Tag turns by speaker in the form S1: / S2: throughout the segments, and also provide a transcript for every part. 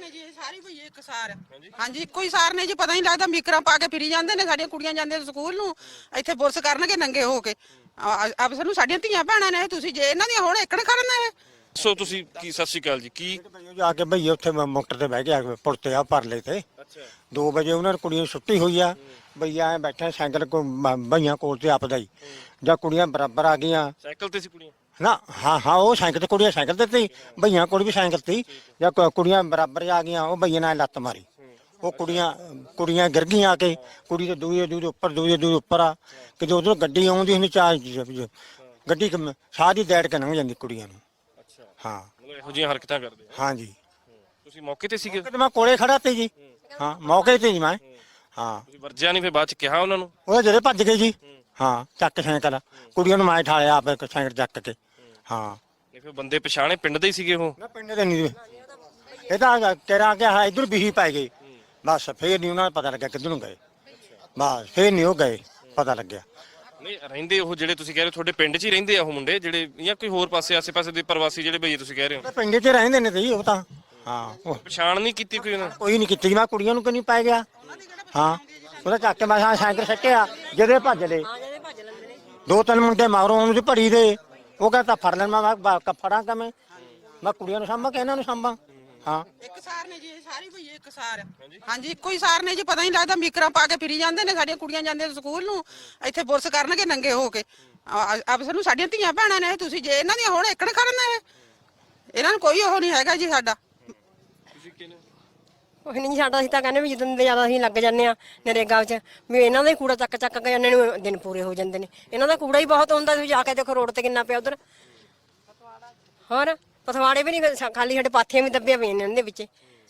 S1: ਨੇ ਜੀ ਸਾਰੀ ਭਈ ਇੱਕ ਸਾਰ ਹਾਂਜੀ ਇੱਕੋ ਹੀ ਸਾਰ ਨੇ ਜੀ ਪਤਾ ਨਹੀਂ ਲੱਗਦਾ ਮੀਕਰਾਂ ਪਾ ਕੇ ਫਿਰੀ ਜਾਂਦੇ ਨੇ ਸਾਡੀਆਂ ਕੁੜੀਆਂ ਜਾਂਦੀਆਂ ਸਕੂਲ ਨੂੰ ਇੱਥੇ ਬੁਰਸ ਕਰਨਗੇ ਨੰਗੇ ਹੋ ਕੇ ਆਪ ਸਾਨੂੰ ਸਾਡੀਆਂ ਧੀਆਂ ਭੈਣਾਂ ਨੇ ਤੁਸੀਂ ਜੇ ਇਹਨਾਂ ਦੀਆਂ ਹੁਣ ਇੱਕਣ ਕਰਨ ਇਹ
S2: ਸੋ ਤੁਸੀਂ ਕੀ ਸਤਿ ਸ਼੍ਰੀ ਅਕਾਲ ਜੀ ਕੀ
S3: ਜਾ ਕੇ ਭਈਏ ਉੱਥੇ ਮੋਟਰ ਤੇ ਬਹਿ ਗਿਆ ਪੁਲ ਤੇ ਆ ਪਰਲੇ ਤੇ
S2: ਅੱਛਾ
S3: 2 ਵਜੇ ਉਹਨਾਂ ਨੂੰ ਕੁੜੀਆਂ ਨੂੰ ਛੁੱਟੀ ਹੋਈ ਆ ਭਈਆ ਐ ਬੈਠਾ ਸਾਈਕਲ ਕੋ ਭਈਆਂ ਕੋਲ ਤੇ ਆਪਦਾ ਹੀ ਜਾਂ ਕੁੜੀਆਂ ਬਰਾਬਰ ਆ ਗਈਆਂ
S2: ਸਾਈਕਲ ਤੇ ਸੀ ਕੁੜੀਆਂ
S3: ਨਾ ਹਾਂ ਉਹ ਸਾਈਕਲ ਤੇ ਕੁੜੀਆਂ ਸਾਈਕਲ ਤੇ ਸੀ ਭਈਆਂ ਕੋਲ ਵੀ ਸਾਈਕਲ ਤੇ ਜਾਂ ਕੁੜੀਆਂ ਬਰਾਬਰ ਆ ਗਈਆਂ ਉਹ ਭਈਏ ਨਾਲ ਲੱਤ ਮਾਰੀ ਉਹ ਕੁੜੀਆਂ ਗਿਰ ਗਈਆਂ ਆ ਕੇ ਕੁੜੀ ਤੇ ਦੂਏ ਉੱਪਰ ਆ ਕਿ ਉਧਰੋਂ ਗੱਡੀ ਆਉਂਦੀ ਹੁੰਦੀ ਚਾਰ ਗੱਡੀ ਸਾਰੀ ਦੈੜ ਕੇ ਲੰਘ ਜਾਂਦੀ ਕੁੜੀਆਂ ਨੂੰ
S2: ਅੱਛਾ
S3: ਹਾਂ
S2: ਮਤਲਬ ਇਹੋ ਜਿਹੀਆਂ ਹਰਕਤਾਂ ਕਰਦੇ ਆ
S3: ਹਾਂ ਜੀ
S2: ਤੁਸੀਂ ਮੌਕੇ ਤੇ ਸੀਗੇ
S3: ਤੇ ਮੈਂ ਕੋਲੇ ਖੜਾ ਤੇ ਜੀ ਹਾਂ ਮੌਕੇ ਤੇ ਜੀ ਮੈਂ ਹਾਂ
S2: ਤੁਸੀਂ ਵਰਜਿਆ ਨਹੀਂ ਫਿਰ ਬਾਅਦ ਚ ਕਿਹਾ ਉਹਨਾਂ ਨੂੰ
S3: ਉਹ ਜਿਹੜੇ ਭੱਜ ਗਏ ਜੀ ਹਾਂ ਚੱਕ ਸਾਈਕਲ ਕੁੜੀਆਂ ਨੂੰ ਮੈਂ ਠਾਲਿਆ ਆਪੇ ਸਾਈਕਲ ਚੱਕ ਕੇ ਹਾਂ
S2: ਇਹ ਫਿਰ ਬੰਦੇ ਪਛਾਣੇ ਪਿੰਡ ਦੇ ਹੀ ਸੀਗੇ ਉਹ
S3: ਨਾ ਪਿੰਡ ਦੇ ਨਹੀਂ ਇਹ ਤਾਂ ਤੇਰਾ ਕਿਹਾ ਇਧਰ ਬਿਹੀ ਪੈ ਗਏ ਬਸ ਫੇਰ ਨਹੀਂ ਉਹਨਾਂ ਨੂੰ ਪਤਾ ਲੱਗਿਆ ਕਿੱਧਰ ਨੂੰ ਗਏ ਬਸ ਫੇਰ ਨਹੀਂ ਉਹ ਗਏ ਪਤਾ ਲੱਗਿਆ
S2: ਨਹੀਂ ਰਹਿੰਦੇ ਉਹ ਜਿਹੜੇ ਤੁਸੀਂ ਕਹਿ ਰਹੇ ਹੋ ਤੁਹਾਡੇ ਪਿੰਡ 'ਚ ਹੀ ਰਹਿੰਦੇ ਆ ਉਹ ਮੁੰਡੇ ਜਿਹੜੇ ਜਾਂ ਕੋਈ ਹੋਰ ਪਾਸੇ ਆਸੇ-ਪਾਸੇ ਦੇ ਪ੍ਰਵਾਸੀ ਜਿਹੜੇ ਭਈਏ ਤੁਸੀਂ ਕਹਿ ਰਹੇ ਹੋ
S3: ਪਿੰਡ 'ਚ ਰਹਿੰਦੇ ਨੇ ਤੇ ਜੀ ਉਹ ਤਾਂ ਹਾਂ
S2: ਪਛਾਣ ਨਹੀਂ ਕੀਤੀ ਕੋਈ ਉਹਨਾਂ
S3: ਕੋਈ ਨਹੀਂ ਕੀਤੀ ਮੈਂ ਕੁੜੀਆਂ ਨੂੰ ਕਿਉਂ ਪੈ ਗਿਆ ਹਾਂ ਉਹਦਾ ਚੱਕ ਕੇ ਮੈਂ ਸਾਈਕਲ ਸੱਟਿਆ ਜਿਹਦੇ ਭੱਜ ਲਏ 2-3 ਮੁੰਡੇ ਮਾਰੋ ਉਹਨੂੰ ਭੜੀ ਦੇ ਉਹ ਕਹਿੰਦਾ ਫੜ ਲੈਣ ਮੈਂ ਫੜਾਂ ਕਿਵੇਂ ਮੈਂ ਕੁੜੀਆਂ ਨੂੰ ਸਾਂਭਾਂ ਕਿ ਇਹਨਾਂ ਨੂੰ ਸਾਂਭਾਂ ਹਾਂ
S1: ਇੱਕ ਸਾਰ ਨੇ ਜੀ ਸਾਰੀ ਭਈ ਇੱਕ ਸਾਰ ਹਾਂਜੀ ਇੱਕੋ ਹੀ ਸਾਰ ਨੇ ਜੀ ਪਤਾ ਨਹੀਂ ਲੱਗਦਾ ਮੀਕਰਾਂ ਪਾ ਕੇ ਫਿਰੀ ਜਾਂਦੇ ਨੇ ਸਾਡੀਆਂ ਕੁੜੀਆਂ ਜਾਂਦੀਆਂ ਸਕੂਲ ਨੂੰ ਇੱਥੇ ਬੁਰਸ ਕਰਨਗੇ ਨੰਗੇ ਹੋ ਕੇ ਆਪ ਸਾਨੂੰ ਸਾਡੀਆਂ ਧੀਆਂ ਭੈਣਾਂ ਨੇ ਤੁਸੀਂ ਜੇ ਇਹਨਾਂ ਦੀਆਂ ਹੁਣ ਇੱਕਣ ਕਰਨ ਇਹ ਇਹਨਾਂ ਨੂੰ ਕੋਈ ਉਹ ਨਹੀਂ ਹੈਗਾ ਜੀ ਸਾਡਾ
S2: ਤੁਸੀਂ ਕਿਹਨੇ
S4: ਉਹ ਨਹੀਂ ਸਾਡਾ ਅਸੀਂ ਤਾਂ ਕਹਿੰਦੇ ਵੀ ਜਦੋਂ ਦੇ ਜ਼ਿਆਦਾ ਅਸੀਂ ਲੱਗ ਜਾਂਦੇ ਆ ਨਰੇਗਾ ਵਿੱਚ ਵੀ ਇਹਨਾਂ ਦਾ ਹੀ ਕੂੜਾ ਚੱਕ ਕੇ ਇਹਨਾਂ ਨੂੰ ਦਿਨ ਪੂਰੇ ਹੋ ਜਾਂਦੇ ਨੇ ਇਹਨਾਂ ਦਾ ਕੂੜਾ ਹੀ ਬਹੁਤ ਹੁੰਦਾ ਤੁਸੀਂ ਜਾ ਕੇ ਦੇਖੋ ਰੋਡ ਤੇ ਕਿੰਨਾ ਪਿਆ ਉਧਰ ਹੋਰ ਪਥਵਾੜੇ ਵੀ ਨਹੀਂ ਖਾਲੀ ਸਾਡੇ ਪਾਥੀਆਂ ਵੀ ਦੱਬੀਆਂ ਪਈਆਂ ਨੇ ਇਹਨਾਂ ਦੇ ਵਿੱਚ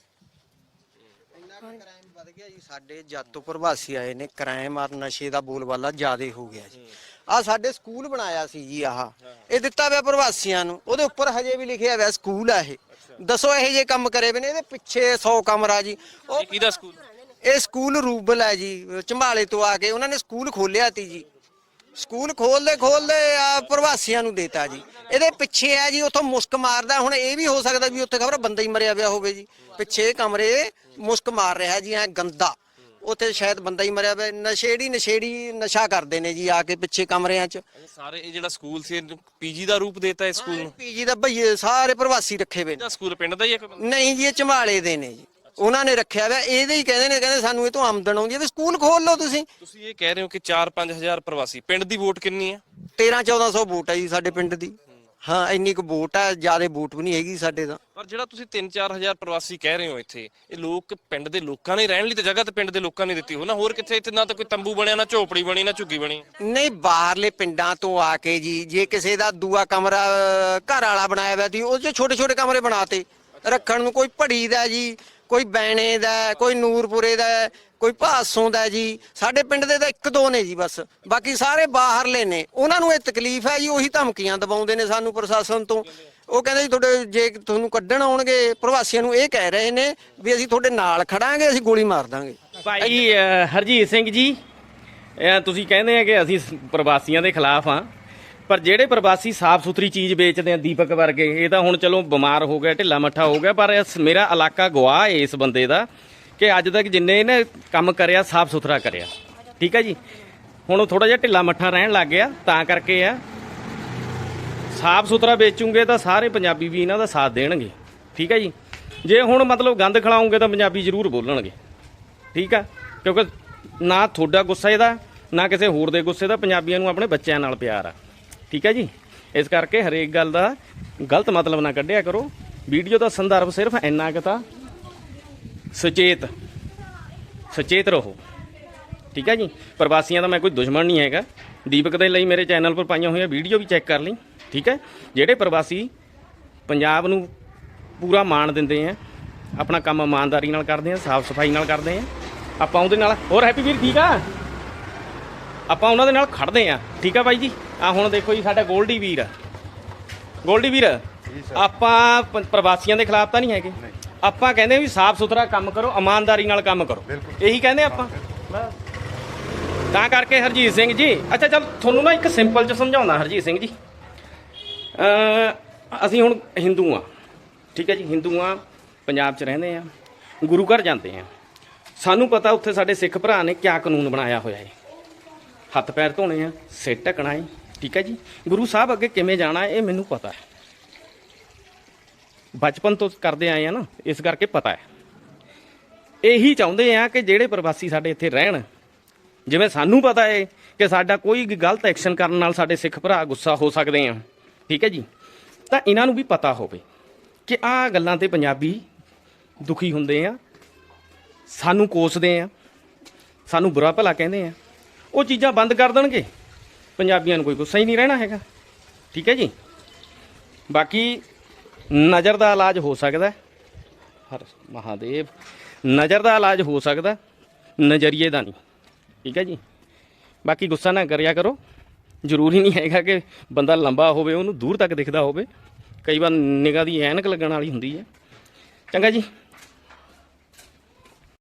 S5: ਇੰਨਾ ਕ੍ਰਾਈਮ ਵੱਧ ਗਿਆ ਜੀ ਸਾਡੇ ਜਦ ਤੋਂ ਪ੍ਰਵਾਸੀ ਆਏ ਨੇ ਕ੍ਰਾਈਮ ਔਰ ਨਸ਼ੇ ਦਾ ਬੋਲਬਾਲਾ ਜ਼ਿਆਦਾ ਹੋ ਗਿਆ ਜੀ ਆ ਸਾਡੇ ਸਕੂਲ ਬਣਾਇਆ ਸੀ ਜੀ ਇਹ ਦਿੱਤਾ ਹੋਇਆ ਪ੍ਰਵਾਸੀਆਂ ਨੂੰ ਉਹਦੇ ਉੱਪਰ ਹਜੇ ਵੀ ਲਿਖਿਆ ਹੋਇਆ ਸਕੂਲ ਆ ਇਹ ਦੱਸੋ ਇਹੋ ਜਿਹੇ ਕੰਮ ਕਰੇ ਵੇ ਨੇ ਇਹਦੇ ਪਿੱਛੇ 100 ਕਮਰਾ ਜੀ ਉਹ
S2: ਕਿਹਦਾ ਸਕੂਲ
S5: ਇਹ ਸਕੂਲ ਰੂਬਲ ਹੈ ਜੀ ਝੰਬਾਲੇ ਤੋਂ ਆ ਕੇ ਉਹਨਾਂ ਨੇ ਸਕੂਲ ਖੋਲਿਆ ਤੀ ਜੀ ਸਕੂਲ ਖੋਲਦੇ ਆ ਪ੍ਰਵਾਸੀਆਂ ਨੂੰ ਦੇਤਾ ਜੀ ਇਹਦੇ ਪਿੱਛੇ ਆ ਜੀ ਉੱਥੋਂ ਮੁਸਕ ਮਾਰਦਾ ਹੁਣ ਇਹ ਵੀ ਹੋ ਸਕਦਾ ਵੀ ਉੱਥੇ ਖਬਰ ਬੰਦਾ ਹੀ ਮਰਿਆ ਪਿਆ ਹੋਵੇ ਜੀ ਪਿੱਛੇ ਕਮਰੇ ਮੁਸਕ ਮਾਰ ਰਿਹਾ ਜੀ ਐ ਗੰਦਾ ਉੱਥੇ ਸ਼ਾਇਦ ਬੰਦਾ ਹੀ ਮਰਿਆ ਪਿਆ ਨਸ਼ੇੜੀ ਨਸ਼ਾ ਕਰਦੇ ਨੇ ਜੀ ਆ ਕੇ ਪਿੱਛੇ ਕਮਰਿਆਂ 'ਚ
S2: ਸਾਰੇ ਇਹ ਜਿਹੜਾ ਸਕੂਲ ਸੀ ਪੀਜੀ ਦਾ ਰੂਪ ਦੇਤਾ ਇਸ ਸਕੂਲ ਨੂੰ
S5: ਪੀਜੀ ਦਾ ਭਈਏ ਸਾਰੇ ਪ੍ਰਵਾਸੀ ਰੱਖੇ ਹੋਏ ਨੇ
S2: ਇਹਦਾ ਸਕੂਲ ਪਿੰਡ ਦਾ ਹੀ ਹੈ
S5: ਨਹੀਂ ਜੀ ਇਹ ਝੰਬਾਲੇ ਦੇ ਨੇ ਜੀ ਉਹਨਾਂ ਨੇ ਰੱਖਿਆ ਹੋਇਆ ਇਹਦੇ ਹੀ ਕਹਿੰਦੇ ਸਾਨੂੰ ਇਹ ਤੋਂ ਆਮਦਨ ਆਉਂਦੀ ਹੈ ਵੀ ਸਕੂਲ ਖੋਲ ਲਓ ਤੁਸੀਂ
S2: ਇਹ ਕਹਿ ਰਹੇ ਹੋ ਕਿ 4-5 ਹਜ਼ਾਰ ਪ੍ਰਵਾਸੀ ਪਿੰਡ ਦੀ ਵੋਟ ਕਿੰਨੀ ਹੈ
S5: 13-1400 ਵੋਟ ਹੈ ਜੀ ਸਾਡੇ ਪਿੰਡ ਦੀ ਹਾਂ ਇੰਨੀ ਕੁ ਵੋਟ ਹੈ ਜਿਆਦਾ ਵੋਟ ਵੀ ਨਹੀਂ ਹੈਗੀ ਸਾਡੇ ਦਾ
S2: ਪਰ ਜਿਹੜਾ ਤੁਸੀਂ 3-4 ਹਜ਼ਾਰ ਪ੍ਰਵਾਸੀ ਕਹਿ ਰਹੇ ਹੋ ਇੱਥੇ ਇਹ ਲੋਕ ਪਿੰਡ ਦੇ ਲੋਕਾਂ ਨੇ ਰਹਿਣ ਲਈ ਤੇ ਜਗ੍ਹਾ ਤੇ ਪਿੰਡ ਦੇ ਲੋਕਾਂ ਨੇ ਦਿੱਤੀ ਹੋ ਨਾ ਹੋਰ ਕਿੱਥੇ ਇੱਥੇ ਨਾ ਤਾਂ ਕੋਈ ਤੰਬੂ ਬਣਿਆ ਨਾ ਝੋਪੜੀ ਬਣੀ ਨਾ ਝੁੱਗੀ ਬਣੀ
S5: ਨਹੀਂ ਬਾਹਰਲੇ ਪਿੰਡਾਂ ਤੋਂ ਆ ਕੇ ਜੀ ਜੇ ਕਿਸੇ ਦਾ ਦੂਆ ਕਮਰਾ ਘਰ ਵਾਲਾ ਬਣਾਇਆ ਹੋਇਆ ਸੀ ਉਹ 'ਚ ਛੋਟੇ ਛੋਟੇ ਕਮਰੇ ਬਣਾਤੇ ਰੱਖਣ ਨੂੰ ਕੋਈ ਭੜੀ ਦਾ ਜੀ ਕੋਈ ਬੈਣੇ ਦਾ ਕੋਈ ਨੂਰਪੁਰੇ ਦਾ ਕੋਈ ਭਾਸੋਂ ਦਾ ਜੀ ਸਾਡੇ ਪਿੰਡ ਦੇ ਤਾਂ 1-2 ਨੇ ਜੀ ਬਸ ਬਾਕੀ ਸਾਰੇ ਬਾਹਰਲੇ ਨੇ ਉਹਨਾਂ ਨੂੰ ਇਹ ਤਕਲੀਫ ਹੈ ਜੀ ਉਹੀ ਧਮਕੀਆਂ ਦਬਾਉਂਦੇ ਨੇ ਸਾਨੂੰ ਪ੍ਰਸ਼ਾਸਨ ਤੋਂ ਉਹ ਕਹਿੰਦੇ ਜੀ ਤੁਹਾਡੇ ਜੇ ਤੁਹਾਨੂੰ ਕੱਢਣ ਆਉਣਗੇ ਪ੍ਰਵਾਸੀਆਂ ਨੂੰ ਇਹ ਕਹਿ ਰਹੇ ਨੇ ਵੀ ਅਸੀਂ ਤੁਹਾਡੇ ਨਾਲ ਖੜਾਂਗੇ ਅਸੀਂ ਗੋਲੀ ਮਾਰ ਦਾਂਗੇ
S6: ਭਾਈ ਹਰਜੀਤ ਸਿੰਘ ਜੀ ਤੁਸੀਂ ਕਹਿੰਦੇ ਆ ਕਿ ਅਸੀਂ ਪ੍ਰਵਾਸੀਆਂ ਦੇ ਖਿਲਾਫ ਆ ਪਰ ਜਿਹੜੇ ਪ੍ਰਵਾਸੀ ਸਾਫ਼ ਸੁਥਰੀ ਚੀਜ਼ ਵੇਚਦੇ ਆ ਦੀਪਕ ਵਰਗੇ ਇਹ ਤਾਂ ਹੁਣ ਚਲੋ ਬਿਮਾਰ ਹੋ ਗਿਆ ਢਿੱਲਾ ਮੱਠਾ ਹੋ ਗਿਆ ਪਰ ਮੇਰਾ ਇਲਾਕਾ ਗਵਾਹ ਹੈ ਇਸ ਬੰਦੇ ਦਾ ਕਿ ਅੱਜ ਤੱਕ ਜਿੰਨੇ ਇਹਨੇ ਕੰਮ ਕਰਿਆ ਸਾਫ਼ ਸੁਥਰਾ ਕਰਿਆ ਠੀਕ ਹੈ ਜੀ ਹੁਣ ਉਹ ਥੋੜਾ ਜਿਹਾ ਢਿੱਲਾ ਮੱਠਾ ਰਹਿਣ ਲੱਗ ਗਿਆ ਤਾਂ ਕਰਕੇ ਆ ਸਾਫ਼ ਸੁਥਰਾ ਵੇਚੂਗੇ ਤਾਂ ਸਾਰੇ ਪੰਜਾਬੀ ਵੀ ਇਹਨਾਂ ਦਾ ਸਾਥ ਦੇਣਗੇ ਠੀਕ ਹੈ ਜੀ ਜੇ ਹੁਣ ਮਤਲਬ ਗੰਦ ਖਿਲਾਉਂਗੇ ਤਾਂ ਪੰਜਾਬੀ ਜ਼ਰੂਰ ਬੋਲਣਗੇ ਠੀਕ ਆ ਕਿਉਂਕਿ ਨਾ ਤੁਹਾਡਾ ਗੁੱਸਾ ਇਹਦਾ ਨਾ ਕਿਸੇ ਹੋਰ ਦੇ ਗੁੱਸੇ ਦਾ ਪੰਜਾਬੀਆਂ ਨੂੰ ਆਪਣੇ ਬੱਚਿਆਂ ਨਾਲ ਪਿਆਰ ਆ ਠੀਕ ਹੈ ਜੀ ਇਸ ਕਰਕੇ ਹਰੇਕ ਗੱਲ ਦਾ ਗਲਤ ਮਤਲਬ ਨਾ ਕੱਢਿਆ ਕਰੋ ਵੀਡੀਓ ਦਾ ਸੰਦਰਭ ਸਿਰਫ ਇੰਨਾ ਕੁ ਤਾਂ ਸੁਚੇਤ ਰਹੋ ਠੀਕ ਹੈ ਜੀ ਪ੍ਰਵਾਸੀਆਂ ਦਾ ਮੈਂ ਕੋਈ ਦੁਸ਼ਮਣ ਨਹੀਂ ਹੈਗਾ ਦੀਪਕ ਦੇ ਲਈ ਮੇਰੇ ਚੈਨਲ ਪਰ ਪਾਈਆਂ ਹੋਈਆਂ ਵੀਡੀਓ ਵੀ ਚੈੱਕ ਕਰ ਲਈ ਠੀਕ ਹੈ ਜਿਹੜੇ ਪ੍ਰਵਾਸੀ ਪੰਜਾਬ ਨੂੰ ਪੂਰਾ ਮਾਣ ਦਿੰਦੇ ਆ ਆਪਣਾ ਕੰਮ ਇਮਾਨਦਾਰੀ ਨਾਲ ਕਰਦੇ ਆ ਸਾਫ਼ ਸਫਾਈ ਨਾਲ ਕਰਦੇ ਆ ਆਪਾਂ ਉਹਦੇ ਨਾਲ ਹੋਰ ਹੈਪੀ ਵੀਰ ਠੀਕ ਆ ਆਪਾਂ ਉਹਨਾਂ ਦੇ ਨਾਲ ਖੜਦੇ ਆ ਠੀਕ ਆ ਬਾਈ ਜੀ ਆ ਹੁਣ ਦੇਖੋ ਜੀ ਸਾਡਾ ਗੋਲਡੀ ਵੀਰ ਆਪਾਂ ਪ੍ਰਵਾਸੀਆਂ ਦੇ ਖਿਲਾਫ ਤਾਂ ਨਹੀਂ ਹੈਗੇ ਆਪਾਂ ਕਹਿੰਦੇ ਵੀ ਸਾਫ਼ ਸੁਥਰਾ ਕੰਮ ਕਰੋ ਇਮਾਨਦਾਰੀ ਨਾਲ ਕੰਮ ਕਰੋ ਇਹੀ ਕਹਿੰਦੇ ਆਪਾਂ ਤਾਂ ਕਰਕੇ ਹਰਜੀਤ ਸਿੰਘ ਜੀ ਅੱਛਾ ਚੱਲ ਤੁਹਾਨੂੰ ਨਾ ਇੱਕ ਸਿੰਪਲ ਚ ਸਮਝਾਉਣਾ ਹਰਜੀਤ ਸਿੰਘ ਜੀ ਅਸੀਂ ਹੁਣ ਹਿੰਦੂ ਆ ਠੀਕ ਹੈ ਜੀ ਹਿੰਦੂ ਆ ਪੰਜਾਬ 'ਚ ਰਹਿੰਦੇ ਆ ਗੁਰੂ ਘਰ ਜਾਂਦੇ ਆ, ਸਾਨੂੰ ਪਤਾ ਉੱਥੇ ਸਾਡੇ ਸਿੱਖ ਭਰਾ ਨੇ ਕਿਆ ਕਾਨੂੰਨ ਬਣਾਇਆ ਹੋਇਆ ਹੈ। ਹੱਥ ਪੈਰ ਧੋਣੇ ਆ, ਸਿਰ ਢੱਕਣਾ ਹੈ, ਠੀਕ ਹੈ ਜੀ। ਗੁਰੂ ਸਾਹਿਬ ਅੱਗੇ ਕਿਵੇਂ ਜਾਣਾ ਇਹ ਮੈਨੂੰ ਪਤਾ ਹੈ, ਬਚਪਨ ਤੋਂ ਕਰਦੇ ਆਏ ਆ ਨਾ, ਇਸ ਕਰਕੇ ਪਤਾ ਹੈ। ਇਹੀ ਚਾਹੁੰਦੇ ਆ ਕਿ ਜਿਹੜੇ ਪ੍ਰਵਾਸੀ ਸਾਡੇ ਇੱਥੇ ਰਹਿਣ, ਜਿਵੇਂ ਸਾਨੂੰ ਪਤਾ ਹੈ ਕਿ ਸਾਡਾ ਕੋਈ ਗਲਤ ਐਕਸ਼ਨ ਕਰਨ ਨਾਲ ਸਾਡੇ ਸਿੱਖ ਭਰਾ ਗੁੱਸਾ ਹੋ ਸਕਦੇ ਆ, ਠੀਕ ਹੈ ਜੀ, ਤਾਂ ਇਹਨਾਂ ਨੂੰ ਵੀ ਪਤਾ ਹੋਵੇ ਕਿ ਆਹ ਗੱਲਾਂ ਤੇ ਪੰਜਾਬੀ ਦੁਖੀ ਹੁੰਦੇ ਆ, ਸਾਨੂੰ ਕੋਸਦੇ ਆ, ਸਾਨੂੰ ਬੁਰਾ ਭਲਾ ਕਹਿੰਦੇ ਆ। ਉਹ ਚੀਜ਼ਾਂ ਬੰਦ ਕਰ ਦੇਣਗੇ, ਪੰਜਾਬੀਆਂ ਨੂੰ ਕੋਈ ਗੁੱਸਾ ਹੀ ਨਹੀਂ ਰਹਿਣਾ ਹੈਗਾ, ਠੀਕ ਹੈ ਜੀ। ਬਾਕੀ ਨਜ਼ਰ ਦਾ ਇਲਾਜ ਹੋ ਸਕਦਾ, ਹਰ ਮਹਾਦੇਵ, ਨਜ਼ਰ ਦਾ ਇਲਾਜ ਹੋ ਸਕਦਾ, ਨਜ਼ਰੀਏ ਦਾ ਨਹੀਂ, ਠੀਕ ਹੈ ਜੀ। ਬਾਕੀ ਗੁੱਸਾ ਨਾ ਕਰਿਆ ਕਰੋ, ਜ਼ਰੂਰੀ ਨਹੀਂ ਹੈਗਾ ਕਿ ਬੰਦਾ ਲੰਬਾ ਹੋਵੇ ਉਹਨੂੰ ਦੂਰ ਤੱਕ ਦਿਖਦਾ ਹੋਵੇ, ਕਈ ਵਾਰ ਨਿਗਾਹ ਦੀ ਐਨਕ ਲੱਗਣ ਵਾਲੀ ਹੁੰਦੀ ਹੈ। ਚੰਗਾ ਜੀ।